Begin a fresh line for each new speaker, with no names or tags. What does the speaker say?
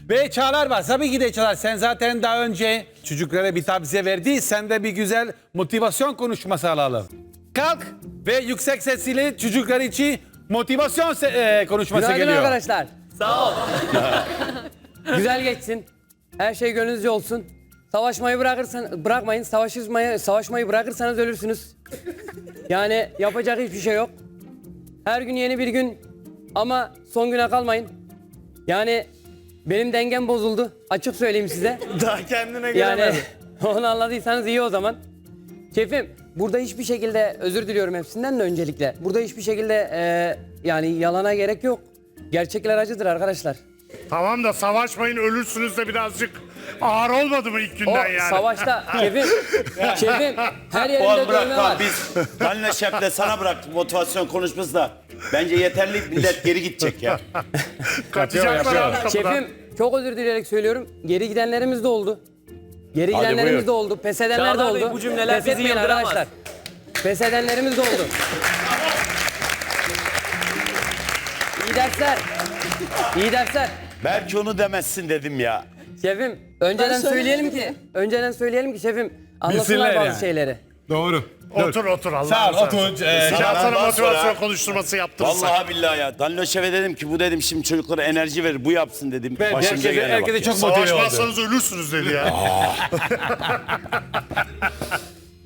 Ve Çağlar var. Tabii ki de Çağlar. Sen zaten daha önce çocuklara bir tavsiye verdi. Sen de bir güzel motivasyon konuşması alalım. Kalk ve yüksek sesiyle çocuklar için motivasyon konuşması
Günaydın
geliyor.
arkadaşlar. Sağ ol. Güzel geçsin. Her şey gönlünüzce olsun. Savaşmayı bırakmayın. Savaşmayı bırakırsanız ölürsünüz. Yani yapacak hiçbir şey yok. Her gün yeni bir gün ama son güne kalmayın. Yani benim dengem bozuldu. Açık söyleyeyim size.
Daha kendine
Yani
gelemedi.
onu anladıysanız iyi o zaman. Şefim, burada hiçbir şekilde özür diliyorum hepsinden de öncelikle. Burada hiçbir şekilde yani yalana gerek yok. Gerçekler acıdır arkadaşlar.
Tamam da savaşmayın ölürsünüz de birazcık ağır olmadı mı ilk
O
günden yani?
savaşta şefim her
Oğlum
yerinde
bırak
dövme
lan
var.
biz Danilo Şef'le sana bıraktık motivasyon konuşması da. Bence yeterli, millet geri gidecek ya.
Kaçacaklar abi kapıdan.
Şefim çok özür dileyerek söylüyorum. Geri gidenlerimiz de oldu. Geri gidenlerimiz
buyur.
de oldu. Pes edenler de
Çağlar Bey,
oldu.
bu cümleler
Pes
bizi
etmeyin
yıldıramaz.
arkadaşlar. Pes edenlerimiz de oldu. İyi dersler. İyi dersler.
Belki onu demezsin dedim ya.
Şefim önceden söyleyelim ki şefim anlasınlar
Bilsinler
bazı
yani.
şeyleri.
Doğru.
Otur Allah
Sağ ol,
razı
otur.
olsun. Ya sana
Ondan
motivasyon
sonra-
konuşturması yaptırırsak.
Vallahi billahi ya. Danilo Şef'e dedim ki bu dedim şimdi çocuklara enerji verir bu yapsın dedim.
Herkese,
gelene bak
herkese
ya.
çok motive oldu.
Savaşmazsanız ölürsünüz dedi ya.